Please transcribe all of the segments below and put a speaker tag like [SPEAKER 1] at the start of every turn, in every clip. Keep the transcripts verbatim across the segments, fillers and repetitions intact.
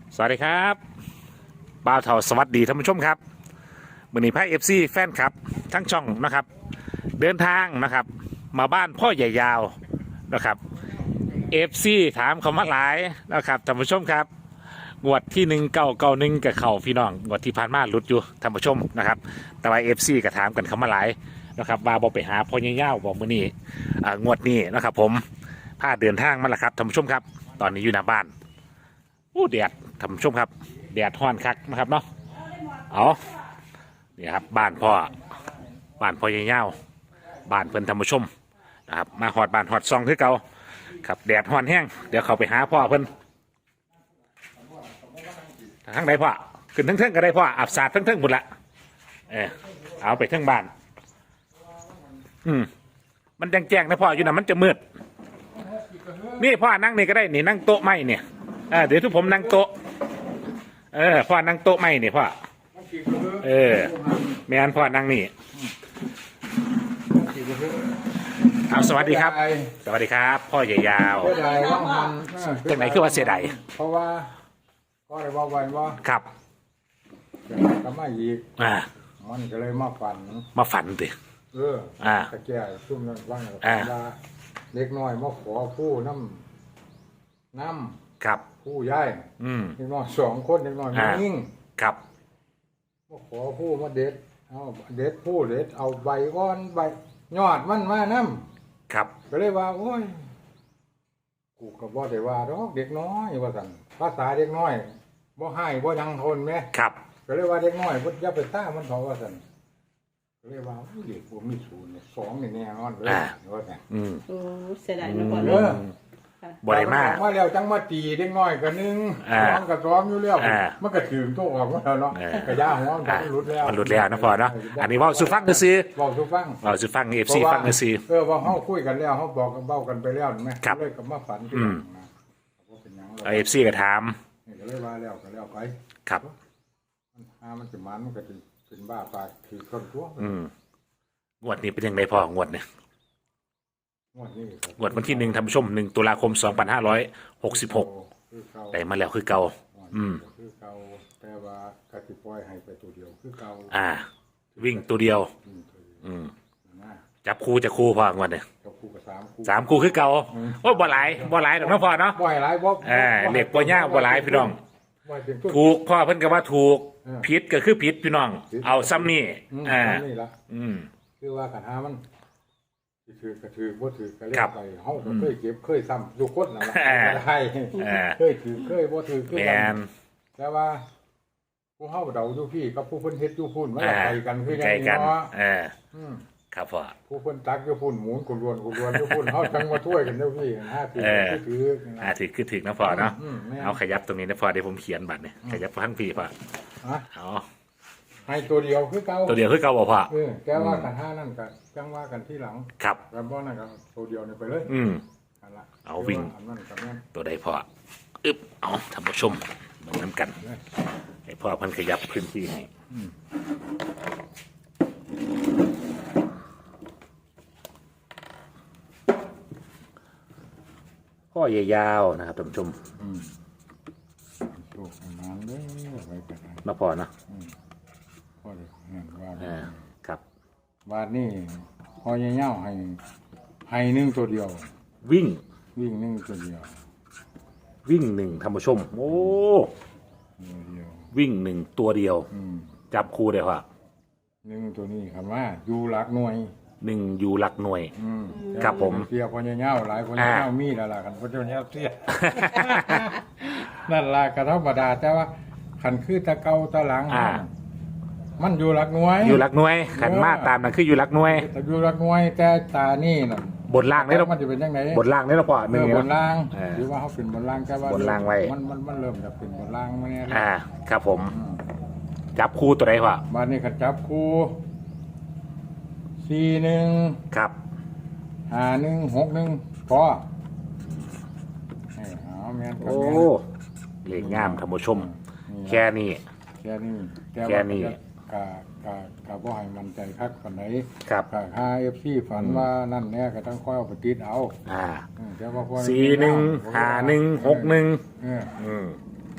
[SPEAKER 1] สวัสดีครับบ่าวเถาสวัสดีท่านผู้ชมครับมือนี้พายเอฟซีแฟนครับทั้งช่องนะครับเดินทางนะครับมาบ้านพ่อใหญ่ยาวนะครับเอฟซีถามเขามาหลายนะครับท่านผู้ชมครับงวดที่หนึ่งเก้าเก้าหนึ่งกับเข่าพี่น้องงวดที่ผ่านมาหลุดอยู่ท่านผู้ชมนะครับแต่ว่าเอฟซีก็ถามกันเขามาหลายนะครับว่าบอกไปหาพ่อใหญ่ยาวบอกมือนี้อ่างวดนี้นะครับผมพาเดินทางมาแล้วครับท่านผู้ชมครับตอนนี้อยู่หน้าบ้านอู้แดดท่านผู้ชมครับแดดฮ้อนคักนะครับเนาะเอานี่ครับบ้านพ่อบ้านพ่อใหญ่เง่าบ้านเพิ่นท่านผู้ชมนะครับมาหอดบ้านหอดซองคือเก่าครับแดดฮ้อนแห้งเดี๋ยวเขาไปหาพ่อเพิ่นทั้งใดพ่อขึ้นทั้งเทิงก็ได้พ่ออาบสาดทั้งเทิงหมดละเออเอาไปทั้งบ้านอืมมันแจ้งๆนะพ่ออยู่นะมันจะมืดนี่พ่อนั่งนี่ก็ได้นี่นั่งโต๊ะไม้เนี่ยเออเดี๋ยวทุกผมนั่งโต๊ะเออพ่อนั่งโต๊ะไม้นี่พ่อเออแม่นพ่อนั่งนี่เอาสวัสดีครับสวัสดีครับพ่อใหญ่ยาว
[SPEAKER 2] เสียดายว่ามัน
[SPEAKER 1] จากไหนคือว่าเสียดาย
[SPEAKER 2] เพราะว่าก็เลยว่าวันว่า
[SPEAKER 1] ครับ
[SPEAKER 2] ก็ไม่อีก
[SPEAKER 1] อ่า
[SPEAKER 2] มันก็เลยมาฝัน
[SPEAKER 1] มาฝันติ
[SPEAKER 2] เออ
[SPEAKER 1] อ่า
[SPEAKER 2] ตะแก่ซุ่มนั้นว่าง
[SPEAKER 1] อ่า
[SPEAKER 2] ว่าเล็กน้อยมาขอผู้น้ำน้
[SPEAKER 1] ครับ
[SPEAKER 2] ำผู้ย้าย
[SPEAKER 1] อืม
[SPEAKER 2] เล็กน้อยสองคนเล็กน้อย
[SPEAKER 1] อ่า
[SPEAKER 2] นิ่ง
[SPEAKER 1] ครับ
[SPEAKER 2] มาขอผู้มาเด็ดเอาเด็ดผู้เด็ดเอาใบก้อนใบยอดมันมาน้ำ
[SPEAKER 1] ครับ
[SPEAKER 2] ก็เลยว่าโอ้ยกูก็บ่ได้ว่าดอกเด็กน้อยว่าสั่นภาษาเด็กน้อยบ่ให้บ่ยังทนแม่
[SPEAKER 1] ครับ
[SPEAKER 2] ก็เลยว่าเด็กน้อยบ่อย่าไปซ่ามันเขาว่าสั่นก็เลยว่าอุ้ยเด็กบ่มีศูนย์เนี่ยสองนี่แน่นอนเลยว่าสั่น
[SPEAKER 1] อืม
[SPEAKER 3] โอ้เสียดายนะพ่อ
[SPEAKER 2] เอ
[SPEAKER 3] เนาะ
[SPEAKER 2] อ
[SPEAKER 1] บ่ได้มา
[SPEAKER 2] มาแล้วจังมาตีเด็กน้อยก็นึง
[SPEAKER 1] อ่า
[SPEAKER 2] ซ้อมก็ซ้อมอยู่แล้ว
[SPEAKER 1] อ่า
[SPEAKER 2] มันก็ถึงโตออกมาแล้วเนาะ
[SPEAKER 1] เออ
[SPEAKER 2] ก็ย่าหัวมัน
[SPEAKER 1] อ่า
[SPEAKER 2] หลุดแล้ว
[SPEAKER 1] มันหลุดแล้วนะพ่อเนาะอันนี้เว่าสุฟังก็ซื้อ
[SPEAKER 2] เว้าสู่ฟัง
[SPEAKER 1] เว่าสุฟังเอฟซีฟังก็ซื้อ
[SPEAKER 2] เออว่าเฮาคุยกันแล้วเฮาบอกกันเบ้ากันไปแล้วแม่
[SPEAKER 1] ครับ
[SPEAKER 2] เลยก็มาฝันที่
[SPEAKER 1] อืม
[SPEAKER 2] หลังนะว่าเป็นหยังหรอก
[SPEAKER 1] เอฟซีก็ถาม
[SPEAKER 2] นี่ก็เลยว่าแล้วก็แล้วไป
[SPEAKER 1] ครับ
[SPEAKER 2] มันหามันสิมันมันก็สิเป็นบ้าปากคือคนทั่ว
[SPEAKER 1] อืมงวดนี้เป็นยังไงพ่องวดเนี่ย
[SPEAKER 2] งวดนี้ครับ
[SPEAKER 1] งวดวันที่หนึ่งท่านผู้ชมหนึ่งตุลาคมสองพันห้าร้อยหกสิบหก
[SPEAKER 2] คือเก่า
[SPEAKER 1] ได้มาแล้วคือเก่าอืม
[SPEAKER 2] คือเก่าแต่ว่ากติปล่อยให้ไปตัวเดียวคือเก่า
[SPEAKER 1] อ่า วิ่งตัวเดียว
[SPEAKER 2] อืมตัวเดียว
[SPEAKER 1] อืม
[SPEAKER 2] นะ
[SPEAKER 1] จับคู่จะคู่พ่องวดเนี่ย
[SPEAKER 2] กับคู่กับสามคู่
[SPEAKER 1] สามคู่คือเก่าโอ้ยบ่หลายบ่หลายดอกเนาะพ่อเนาะ
[SPEAKER 2] บ่ให้หลายบ่
[SPEAKER 1] อ่าเหล็กบ่ยาวบ่หลายพี่น้อง
[SPEAKER 2] บ่ให้เป็นทุน
[SPEAKER 1] ถูกพ่อเพิ่นก็ว่าถูก
[SPEAKER 2] เออ
[SPEAKER 1] ผิดก็คือผิดพี่น้อง
[SPEAKER 2] ผิด
[SPEAKER 1] เอาซ้ำนี่
[SPEAKER 2] อืม
[SPEAKER 1] อ่า
[SPEAKER 2] นี่ล่ะ
[SPEAKER 1] อืม
[SPEAKER 2] คือว่ากันหามันสิถือก็ถือบ่ถือก็เล่
[SPEAKER 1] ครั
[SPEAKER 2] น
[SPEAKER 1] บ
[SPEAKER 2] ไปเฮาก็เคยเก็บเคยซ้ำทุกคนนั่นล่ะ
[SPEAKER 1] อ่า
[SPEAKER 2] ใช่
[SPEAKER 1] อ่า
[SPEAKER 2] เคยถือเคยบ่ถือคือ
[SPEAKER 1] แม
[SPEAKER 2] กัน
[SPEAKER 1] น
[SPEAKER 2] แต่ว่าผู้เฮาเดาอยู่พี่กับผู้เพิ่นเฮ็ดอยู่พุ่นมัน
[SPEAKER 1] อ่า
[SPEAKER 2] ก็ไปกันคือ
[SPEAKER 1] ใกล้
[SPEAKER 2] ยัง
[SPEAKER 1] กัน
[SPEAKER 2] เนาะ
[SPEAKER 1] อ่า
[SPEAKER 2] อืม
[SPEAKER 1] ครับพ่อ
[SPEAKER 2] ผู้เพิ่นตักอยู่พุ่นหมุนกุรวนกุรวนอยู่พุ่นเฮาจังมาช่วยกันเด้อพี่ห้าถือ
[SPEAKER 1] เออ
[SPEAKER 2] ถือ
[SPEAKER 1] อ่าถือคือถึงนะพ่อเนาะ
[SPEAKER 2] อืมแม่น
[SPEAKER 1] เอาขยับตรงนี้นะพ่อเดี๋ยวผมเขียนบัตรเนี่ยขยับข้างพี่พ่อ
[SPEAKER 2] ฮะ
[SPEAKER 1] เอา
[SPEAKER 2] ให้ตัวเดียวคือเก่า
[SPEAKER 1] ตัวเดียวคือเก่าบ่พ่อ
[SPEAKER 2] เออแต่ว่ากันห้านั่นก็จังว่ากันที่หลัง
[SPEAKER 1] ครับ
[SPEAKER 2] กันบ่นั่นก็ตัวเดียวนี่ไปเลย
[SPEAKER 1] อืม
[SPEAKER 2] นั่นล่ะ
[SPEAKER 1] เอาวิ่ง
[SPEAKER 2] อันนั้นกับนั้น
[SPEAKER 1] ตัวใดพ่ออึบเอาท่านผู้ชมเหมือนน้ำกันให้พ่อเพันขยับพื้นที่ให้พ่อใหญ่ยาวนะครับท่านผู้ชม
[SPEAKER 2] อืมโชคให้มันเด้อไว้กันให้
[SPEAKER 1] มาพ่อเนาะ
[SPEAKER 2] พอได้นั่นว่า
[SPEAKER 1] อ่าครับ
[SPEAKER 2] บาดนี้พอเหย้าๆให้ให้หนึงตัวเดียว
[SPEAKER 1] วิ่ง
[SPEAKER 2] วิ่งหนึงตัวเดียว
[SPEAKER 1] วิ่งหนึ่งท่านผู้ชม โอ้
[SPEAKER 2] ตัวเดียว
[SPEAKER 1] วิ่งหนึ่งตัวเดียว
[SPEAKER 2] อืม
[SPEAKER 1] จับคู่ได้พ่อ
[SPEAKER 2] หนึ่งตัวนี้คำว่าอยู่หลักหน่วย
[SPEAKER 1] หนึ่งอยู่หลักหน่วย
[SPEAKER 2] อืม
[SPEAKER 1] ครับผม
[SPEAKER 2] เสียคนเงี้ยวๆหลายคน
[SPEAKER 1] อ่า
[SPEAKER 2] เงี้ยวมีแล้วล่ะกันคนเงี้ยวเสีย นั่นล่ะก็ธรรมดาแต่ว่าขันคือตะเกาตะหลัง
[SPEAKER 1] อ่า
[SPEAKER 2] มันอยู่หลักหน่วย
[SPEAKER 1] อยู่หลักหน่วยขันมาตามนั่นคืออยู่หลักหน่วย
[SPEAKER 2] แต่อยู่หลักหน่วยแต่ตานี่น่ะ
[SPEAKER 1] บนล่างนี่เรา
[SPEAKER 2] มันจะเป็นยังไง
[SPEAKER 1] บนล่างนี่เราพ่อห
[SPEAKER 2] เอ
[SPEAKER 1] นึ่ง
[SPEAKER 2] อบน
[SPEAKER 1] เนาะ
[SPEAKER 2] ล่าง
[SPEAKER 1] เออ
[SPEAKER 2] หรือว่าเขาเป็นบนล่างแต่ว่า
[SPEAKER 1] บนล่างไว้
[SPEAKER 2] มันมันมันเริ่มจะเป็นบนล่างมาเนี่ย
[SPEAKER 1] อ่า ครับผม จับคู่ตัวใดพ่อ
[SPEAKER 2] บ้านนี้ขันจับคู่สี่หนึ่ง
[SPEAKER 1] ครับ
[SPEAKER 2] ห้าหนึ่งหกหนึ่งพอเออเอาแม่นกับ
[SPEAKER 1] โอ้
[SPEAKER 2] แม่น
[SPEAKER 1] เหล็กงามท่านผู้ชม
[SPEAKER 2] นี่
[SPEAKER 1] แค่นี้
[SPEAKER 2] แค่นี้แต่
[SPEAKER 1] แค่
[SPEAKER 2] ว่า
[SPEAKER 1] นี้
[SPEAKER 2] กะกะกะบ่ให้มันใจคักปานไหน
[SPEAKER 1] ครับ
[SPEAKER 2] กะค่า เอฟ ซี ฝันว่านั่นแน่ก็ต้องค่อยเอาไปติดเอา
[SPEAKER 1] อ่า
[SPEAKER 2] อืมแต่ว่าพอ
[SPEAKER 1] สี่หนึ่งห้าหนึ่งหกหนึ่ง
[SPEAKER 2] เออ
[SPEAKER 1] อืม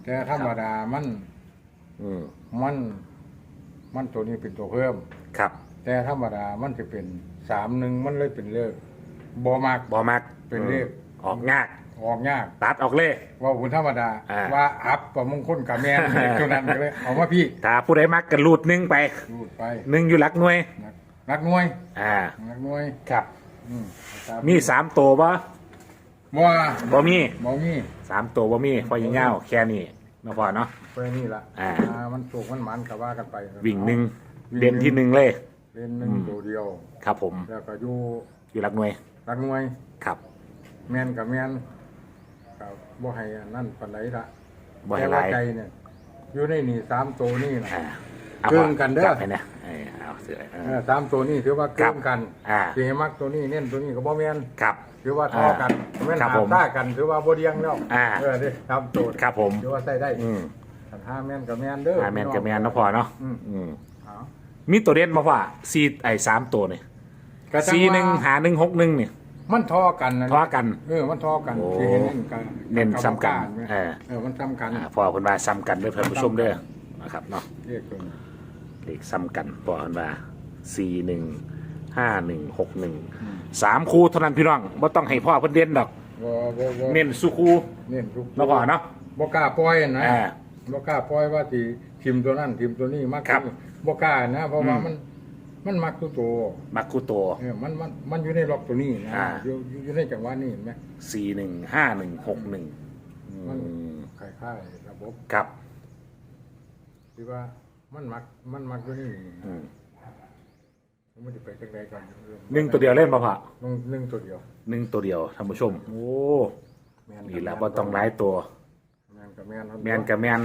[SPEAKER 2] แต่ธรรมดามัน
[SPEAKER 1] อืม
[SPEAKER 2] มันมันตัวนี้เป็นตัวเพิ่ม
[SPEAKER 1] ครับ
[SPEAKER 2] แต่ธรรมดามันจะเป็นสามหนึ่งมันเลยเป็นเลขบอมาก
[SPEAKER 1] บอมัก
[SPEAKER 2] เป็นเลข
[SPEAKER 1] ออกยาก
[SPEAKER 2] ออกยาก
[SPEAKER 1] ตัดออกเลย
[SPEAKER 2] ว่าบุญธรรมดา
[SPEAKER 1] อ่า
[SPEAKER 2] ว่าอัพประมงคลกับแมน ตัวนั้นเลยเอามาพี่
[SPEAKER 1] ถ้าผู้ใดมักกันรูดหนึ่งไป
[SPEAKER 2] รูดไป
[SPEAKER 1] หนึ่งอยู่หลักหน่วย
[SPEAKER 2] นักนักหน่วย
[SPEAKER 1] อ่า
[SPEAKER 2] นักหน่วย
[SPEAKER 1] ครับ
[SPEAKER 2] อืม
[SPEAKER 1] มีสามตัวปะ
[SPEAKER 2] บ่ว่า
[SPEAKER 1] บ่มี
[SPEAKER 2] บ่มี
[SPEAKER 1] สามตัวบ่มีพอยิงเงาแค่นี้มาพอเนาะ
[SPEAKER 2] ไปนี่ละ
[SPEAKER 1] อ่า
[SPEAKER 2] มันโศกมันหมันกับว่ากันไป
[SPEAKER 1] วิ่งหนึ่งเด่นที่หนึ่งเลย
[SPEAKER 2] เล่นหนึ่งตัวเดียว
[SPEAKER 1] ครับผม
[SPEAKER 2] แล้วก็อยู่
[SPEAKER 1] อยู่หลักหน่วย
[SPEAKER 2] นักหน่วย
[SPEAKER 1] ครับ
[SPEAKER 2] แมนกับแมนกับบ่ให้อันนั่นปานใดละ
[SPEAKER 1] บ่ให้
[SPEAKER 2] แต่
[SPEAKER 1] ห
[SPEAKER 2] ว่า
[SPEAKER 1] ลาย
[SPEAKER 2] ใจเนี่ยอยู่ในนี่สามตัวนี่นะ
[SPEAKER 1] อ่าอา
[SPEAKER 2] เกินกันเด้อ
[SPEAKER 1] จับให้เนี่ยเออเอาเสือเอ
[SPEAKER 2] เอ
[SPEAKER 1] อ
[SPEAKER 2] อสามตัวนี่ถือว่าเกินกัน
[SPEAKER 1] อ่า
[SPEAKER 2] สีมักตัวนี้เน้นตัวนี้ก็บ่แมน
[SPEAKER 1] ครับ
[SPEAKER 2] ถือว่าท่อกันแม่น
[SPEAKER 1] ครับ
[SPEAKER 2] หา
[SPEAKER 1] ผม
[SPEAKER 2] ซ่ากันถือว่าบ่เดียงแล้ว
[SPEAKER 1] อ่า
[SPEAKER 2] เออเด้สามตัว
[SPEAKER 1] ครับผม
[SPEAKER 2] ถือว่าใส่ได้
[SPEAKER 1] อืม
[SPEAKER 2] คันห้าแม่นกับแม่นเด้อ
[SPEAKER 1] อ่าแมนกับแมนเนาะพอเนาะ
[SPEAKER 2] อืม
[SPEAKER 1] อืม
[SPEAKER 2] เอา
[SPEAKER 1] มีตัวเด่นมาว่าซีไอ้สามตัวนี่
[SPEAKER 2] ก็จั
[SPEAKER 1] ซี
[SPEAKER 2] ว่า
[SPEAKER 1] หนึ่งหาหนึ่งหกหนึ่งเนี่ย
[SPEAKER 2] มันท่อกันนะ
[SPEAKER 1] ท่อกัน
[SPEAKER 2] เออมันท่อกัน
[SPEAKER 1] โอ้
[SPEAKER 2] ที่เห็นเน้นกัน
[SPEAKER 1] เน้นซ้ำกัน
[SPEAKER 2] เอ
[SPEAKER 1] เอ
[SPEAKER 2] อ
[SPEAKER 1] อ
[SPEAKER 2] เออมันซ้ำกัน
[SPEAKER 1] อ่าพอคนว่าซ้ำกันเด้อท่านผู้ชมเด้อนะครับเนาะ
[SPEAKER 2] เรียกตัวนี้
[SPEAKER 1] เลขซ้ำกันพอคนว่าสี่หนึ่งห้าหนึ่งหกหนึ่งสามคู่เท่านั้นพี่น้องไม่ต้องให้พ่อเพิ่นเด่นดอก
[SPEAKER 2] บ่บ่บ่
[SPEAKER 1] เน้นสุคู่
[SPEAKER 2] เน้นทุก
[SPEAKER 1] เนาะพ่อเนาะ
[SPEAKER 2] บ่กล้าปล่อยนะ
[SPEAKER 1] อ่า
[SPEAKER 2] บ่กล้าปล่อยว่าสิทีมตัวนั้นทีมตัวนี้มัก
[SPEAKER 1] ครับ
[SPEAKER 2] บ่กล้านะ เพราะว่า
[SPEAKER 1] อืม
[SPEAKER 2] มันมันมักตัวโต
[SPEAKER 1] มักคู่ตัว
[SPEAKER 2] เออมันมันมันอยู่ในล็อกตัวนี้นะ
[SPEAKER 1] อ่า
[SPEAKER 2] อยู่อยู่อยู่ในจังหวะนี้เห็นไหม
[SPEAKER 1] สี่หนึ่งห้าหนึ่งหกหนึ่ง
[SPEAKER 2] มันคล้ายๆระบบ
[SPEAKER 1] ครับ
[SPEAKER 2] ที่ว่ามันมักมันมักตัวนี้
[SPEAKER 1] อืม
[SPEAKER 2] มันจะไปจังใดก่อน
[SPEAKER 1] หนึ่งตัวเดียวเล่นป่ะพ่อ
[SPEAKER 2] หนึ่งหนึ่งตัวเดียว
[SPEAKER 1] หนึ่งตัวเดียวท่านผู้ชม โอ้
[SPEAKER 2] แม่น
[SPEAKER 1] นี่แหละว่าต้องหลายตัว
[SPEAKER 2] แมนกับแมน
[SPEAKER 1] แมนกับแมน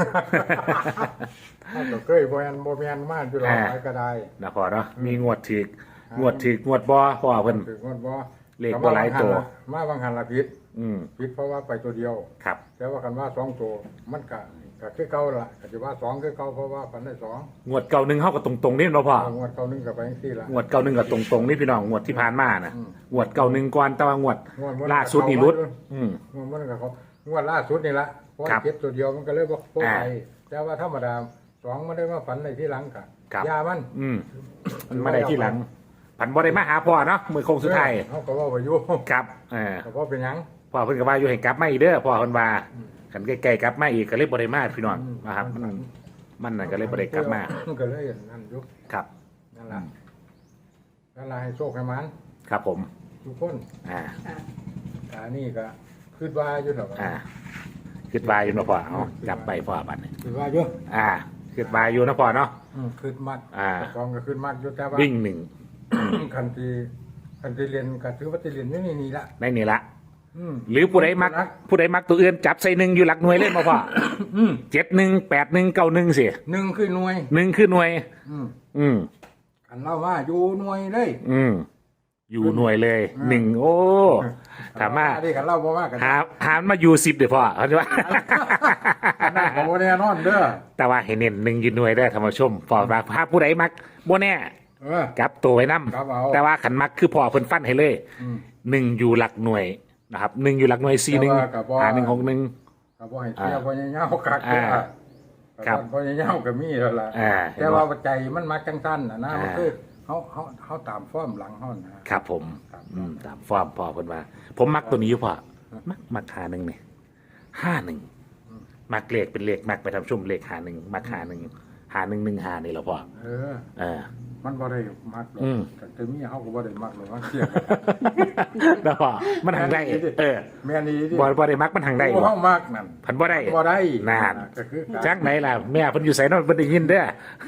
[SPEAKER 2] ถ้าก็เคยบ่แมนบ่แมนมากอยู่หรอก
[SPEAKER 1] อ่า
[SPEAKER 2] ไปก็ได้
[SPEAKER 1] นะพ่อเนาะมีงวดถึกงวดถึกงวดบ่พ่อเพิ่น
[SPEAKER 2] ถึงว่าบ่
[SPEAKER 1] เลขบ่หลายตัว
[SPEAKER 2] มาบางหันละผิด
[SPEAKER 1] อืม
[SPEAKER 2] ผิดเพราะว่าไปตัวเดียว
[SPEAKER 1] ครับ
[SPEAKER 2] แต่ว่ากันว่าสองตัวมันก็ก็คือเก่าละก็จะว่าสองคือเก่าเพราะว่าพันได้สอง
[SPEAKER 1] งวดเก่าหนึ่งเฮาก็ตรงๆนี่เนาะพ่อ
[SPEAKER 2] เอางวดเก่าหนึงก็ไปจังซี่ละ
[SPEAKER 1] งวดเก่าหนึ่งก็ตรงๆนี่พี่น้องงวดที่ผ่านมานะ
[SPEAKER 2] อืม
[SPEAKER 1] งวดเก่าหนึ่งก่อนแต่ว่างวด
[SPEAKER 2] งวดมัน
[SPEAKER 1] ล่าสุดนี่รุด อืม
[SPEAKER 2] งวดมันก็เขางวดล่าสุดนี่ละเพราะ
[SPEAKER 1] ครับ
[SPEAKER 2] เก็บตัวเดียวมันก็เลยบ่บ่
[SPEAKER 1] อ่า
[SPEAKER 2] ไปแต่ว่าธรรมดาสองมันได้มาฝันในที่หลังกะ
[SPEAKER 1] ครับ
[SPEAKER 2] ยามัน
[SPEAKER 1] อืมมันมาได้ที่หลังผันบ่ได้มาหาพ่อเนาะมือโค้งสุดท้าย
[SPEAKER 2] เขาก็ว่าไปอยู่
[SPEAKER 1] ครับเออ
[SPEAKER 2] ก็บ่เป็นหยัง
[SPEAKER 1] พ่อเพิ่นก็ว่าอยู่ให้กลับมาอีกเด้อพ่อเพิ่นว่าคันใกล้ๆกลับมาอีกก็เลยบ่ได้มาพี่น้องนะครับมันมันน่ะก็เลยบ่ได้กลับมา
[SPEAKER 2] ก็เลยนั่นอยู่
[SPEAKER 1] ครับ
[SPEAKER 2] นั่นล่ะนั่นล่ะให้โชคให้มัน
[SPEAKER 1] ครับผม
[SPEAKER 2] ทุกคน
[SPEAKER 1] อ่า
[SPEAKER 2] อันนี้ก็คิดว่าอยู่ดอก
[SPEAKER 1] อ่าคิดว่าอยู่เนาะพ่อเอากลับไปพ่อบัดนี้
[SPEAKER 2] คิดว่าอยู่
[SPEAKER 1] อ่าคิดว่าอยู่เนาะพ่อเนาะ
[SPEAKER 2] อืมคิดมัด
[SPEAKER 1] อ่า
[SPEAKER 2] กองก็คิดมัดอยู่แต่ว่า
[SPEAKER 1] วิ่งหนึ่ง
[SPEAKER 2] คันที่คันที่เรียนก็ถือว่าที่เรียนอยู่นี่นี่ละ
[SPEAKER 1] ในนี่ละ
[SPEAKER 2] อืม
[SPEAKER 1] หรือผู้ใดมักผู้ใดมักตัวอื่นจับใส่หนึ่งอยู่หลักหน่วยเล่นมาพ่อ
[SPEAKER 2] อืม
[SPEAKER 1] เจ็ดหนึ่งแปดหนึ่งเก้าหนึ่งสิ
[SPEAKER 2] หนึ่งคือหน่วย
[SPEAKER 1] หนึ่งคือหน่วย
[SPEAKER 2] อืม
[SPEAKER 1] อืม
[SPEAKER 2] อันเล่าว่าอยู่หน่วยเลย
[SPEAKER 1] อืมอยู่หน่วยเลยหนึ่งโอ้ถามว่า
[SPEAKER 2] อันนี้กันเล่าบ่ว่ากัน
[SPEAKER 1] หาหามาอยู่สิบเดี๋ยวพ่อเขาจะว่า
[SPEAKER 2] อันนั้นก็บ่แน่นอนเด้อ
[SPEAKER 1] แต่ว่าให้เน้นหนึ่งอยู่หน่วยได้อธรรมชมพ่อว่าถ้าผู้ใดมักโมแน่
[SPEAKER 2] เออ
[SPEAKER 1] จับตัวไว้นํ
[SPEAKER 2] ครับเอา
[SPEAKER 1] แต่ว่าขันมักคือพ่อเพิ่นฟันให้เลย
[SPEAKER 2] อืม
[SPEAKER 1] หนึ่งอยู่หลักหน่วยนะครับหนึ่งอยู่หลักหน่วยสี่หนึ่ง
[SPEAKER 2] แต่ว่าก็บ่
[SPEAKER 1] หาหนึ่งหกหนึ่ง
[SPEAKER 2] ก็บ่ให้เที่ยวบ่ยาวๆกัก
[SPEAKER 1] อ่า
[SPEAKER 2] เด้อ
[SPEAKER 1] ครับ
[SPEAKER 2] บ่ยาวๆก็มีแล้วล่ะ
[SPEAKER 1] อ่า
[SPEAKER 2] แต่ว่าใจมันมักจังซั่นน่ะนะ
[SPEAKER 1] อ่ามั
[SPEAKER 2] มันคือเฮาเฮาเฮาตามฟอร์มหลังเฮานะครับ
[SPEAKER 1] ผม
[SPEAKER 2] ครับ
[SPEAKER 1] อืมตามฟอร์มพ่อเพิ่นว่า ผมมักตัวนี้อยู่พ่อมักมักหาหนึ่งนี่ห้าหนึ่งมักเลขเป็นเลขมักไปทำชุ่มเลขหาหนึ่งมักหาหนึ่งหาหนึ่งหนึ่งหานี่แหละพ่อ
[SPEAKER 2] เออ
[SPEAKER 1] เออ
[SPEAKER 2] มันบ่ได้มักหรอก
[SPEAKER 1] อืม
[SPEAKER 2] แต่เมียเฮาก็บ่ได้มักหรอกมันเที่ยง
[SPEAKER 1] แล้วพ่อมันทางได้เออ
[SPEAKER 2] แม่นอี่ดิ
[SPEAKER 1] บ่บ่ได้มักมันทางได้
[SPEAKER 2] โอ้
[SPEAKER 1] บ่
[SPEAKER 2] เฮามักนั่น
[SPEAKER 1] พันบ่ได้
[SPEAKER 2] บ่ได้
[SPEAKER 1] นาน
[SPEAKER 2] ก็คือการ
[SPEAKER 1] จักไหนล่ะแม่เพิ่นอยู่ไสเนาะเพิ่นได้ยินเด้อ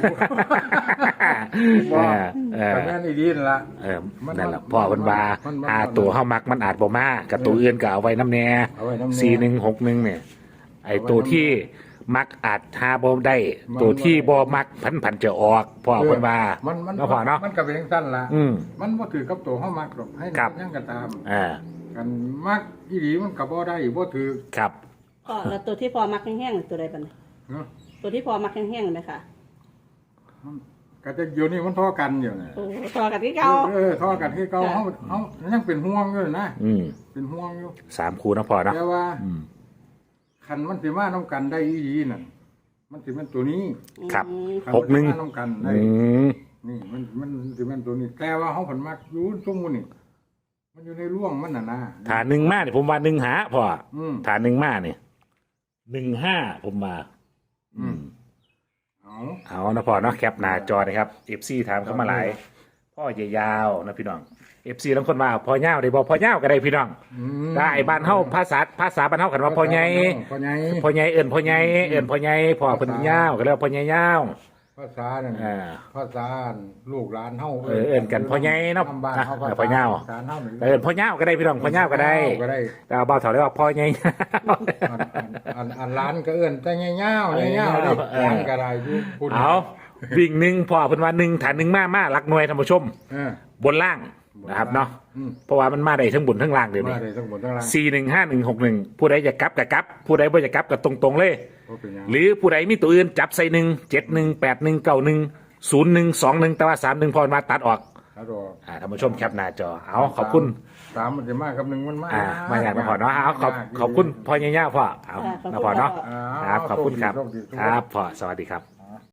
[SPEAKER 2] บ่
[SPEAKER 1] เออเออ
[SPEAKER 2] ก็แม่นอีดีนั่นล่ะ
[SPEAKER 1] เออ
[SPEAKER 2] มัน
[SPEAKER 1] นั่นล่ะ
[SPEAKER 2] มัน
[SPEAKER 1] พ่อเพิ่นว่า
[SPEAKER 2] มันมัน
[SPEAKER 1] หาตัวเฮามักมันอาจบ่มากับตัวอื่นก็เอาไว้นำแน่
[SPEAKER 2] เอาไว้นำแน่
[SPEAKER 1] สี่หนึ่งหกหนึ่งเนี่ยไอ้ตัวที่มักอาจหาบ่ได้
[SPEAKER 2] มัน
[SPEAKER 1] ตัวที่บ่มักพันพันจะออกพ่อเพิ่นว่า
[SPEAKER 2] มันมัน
[SPEAKER 1] เนาะพ่อเนาะ
[SPEAKER 2] มันก็เป็นจังซั่นล่ะ
[SPEAKER 1] อืม
[SPEAKER 2] มันบ่ถือกับตัวเฮามักหรอกให้
[SPEAKER 1] ครับ
[SPEAKER 2] ยังก็ตาม
[SPEAKER 1] อ่า
[SPEAKER 2] กันมักอีหลีมันก็บ่ได้บ่ถือ
[SPEAKER 1] ครับ
[SPEAKER 3] พ่อแล้วตัวที่พอมักแห้งๆตัวใดบัดนี้
[SPEAKER 2] เนาะ
[SPEAKER 3] ตัวที่พอมักแห้งๆไหมคะ
[SPEAKER 2] มันก็จะอยู่นี่มันท่อกันอยู่น่ะ
[SPEAKER 3] โอ้ต่อกันที่เก่า
[SPEAKER 2] เออท่อกันคือเก่าเฮาเฮายังเป็นห่วงอยู่นะ
[SPEAKER 1] อืม
[SPEAKER 2] เป็นห่วงอยู่
[SPEAKER 1] สามคูเนาะพ่อเนาะ
[SPEAKER 2] แต่ว่า
[SPEAKER 1] อืม
[SPEAKER 2] คันมันสิมาน้ำกันได้อีหลีนั่นมันสิเป็นตัวนี้
[SPEAKER 1] ครับ
[SPEAKER 3] อืม
[SPEAKER 2] คัน
[SPEAKER 1] หกหนึ่ง
[SPEAKER 2] มัสิมาน้ำกันได้
[SPEAKER 1] อืม
[SPEAKER 2] นี่มันมันสิเป็นตัวนี้ แต่ว่าเขาผลมักอยู่ตรงมูนี่มันอยู่ในร่วงมันน่ะนะ
[SPEAKER 1] ฐานหนึ่งมาเนี่ยผมว่าหนึ่งหาพ่อ
[SPEAKER 2] อืม
[SPEAKER 1] ฐานหนึ่งมาเนี่ยหนึ่งห้าผมมา
[SPEAKER 2] อืมเอา
[SPEAKER 1] เอานะพ่อเนาะแคปหน้าจอนะครับเอฟซีถามเข้ามาหลาย พ่อใหญ่ยาวนะพี่น้องเอฟซีบางคนว่าพ่อยาวได้บ่พ่อยาวก็ได้พี่น้อง
[SPEAKER 2] อืม
[SPEAKER 1] ได้บ้านเฮาภาษาภาษาบ้านเฮากันว่าพ่อใหญ่
[SPEAKER 2] พ่อใหญ่
[SPEAKER 1] พ่อใหญ่เอิ้นพ่อใหญ่เอิ้นพ่อใหญ่พ่อเพิ่นยาวก็เรียกว่าพ่อใหญ่ยาว
[SPEAKER 2] ภาษานั่น
[SPEAKER 1] อ่า
[SPEAKER 2] ภาษาลูกหลานเฮา
[SPEAKER 1] เออเอิ้นกันพ่อใหญ่เนาะ
[SPEAKER 2] ทำบ้านเฮา
[SPEAKER 1] อ่ะพ่อใหญ่
[SPEAKER 2] ภาษาเฮา
[SPEAKER 1] เอิ้นพ่อยาวก็ได้พี่น้องพ่อยาวก็ได้
[SPEAKER 2] ก็ได้
[SPEAKER 1] แต่เอาเบาเถาเรียกว่าพ่อใหญ่
[SPEAKER 2] อันอันอันอันร้านก็เอิ้นแต่เงี้ยวๆเงี้ยวๆดิ
[SPEAKER 1] เออ
[SPEAKER 2] ร้านก็ได้อยู่คุณ
[SPEAKER 1] เอาวิ่งหนึ่งพ่อเพิ่นว่าหนึ่งฐานหนึ่งมามาหลักหน่วยท่านผู้ชม
[SPEAKER 2] เออบ
[SPEAKER 1] นล่างนะครับเนาะ
[SPEAKER 2] อืม
[SPEAKER 1] เพราะว่ามันมาได้ทั้งบนทั้งล่างเดี๋ยว
[SPEAKER 2] มา
[SPEAKER 1] นี้
[SPEAKER 2] ได้ทั้งหมดทั้งร้าน
[SPEAKER 1] สี่หนึ่งห้าหนึ่งหกหนึ่งผู้ใดจะกลับกับกลับ ผู้ใดบ่จะกลับกับตรงๆเลย
[SPEAKER 2] บ่เป็นหยัง
[SPEAKER 1] หรือผู้ใดมีตัวอื่นจับใส่หนึ่งเจ็ดหนึ่งแปดหนึ่งเก้าหนึ่งศูนย์หนึ่งสองหนึ่งแต่ว่าสามหนึ่งพอมาตัดออก
[SPEAKER 2] ครับผม
[SPEAKER 1] อ่าท่านผู้ชมแคปหน้าจอเอาขอบคุณ
[SPEAKER 2] สามมันจะมากกับหนึ่งมันมาก
[SPEAKER 1] อ่ามาอย่างนะพอเนาะเอาขอบขอบคุณพ่อใหญ่ๆพ่อเอา
[SPEAKER 3] ค่ะขอบคุณ
[SPEAKER 1] นะพ่อเนาะ
[SPEAKER 3] พ่อ
[SPEAKER 2] อ่า
[SPEAKER 1] ครับขอบคุณครับ
[SPEAKER 2] โชดีโชดี
[SPEAKER 1] ครับพ่อสวัสดีครับ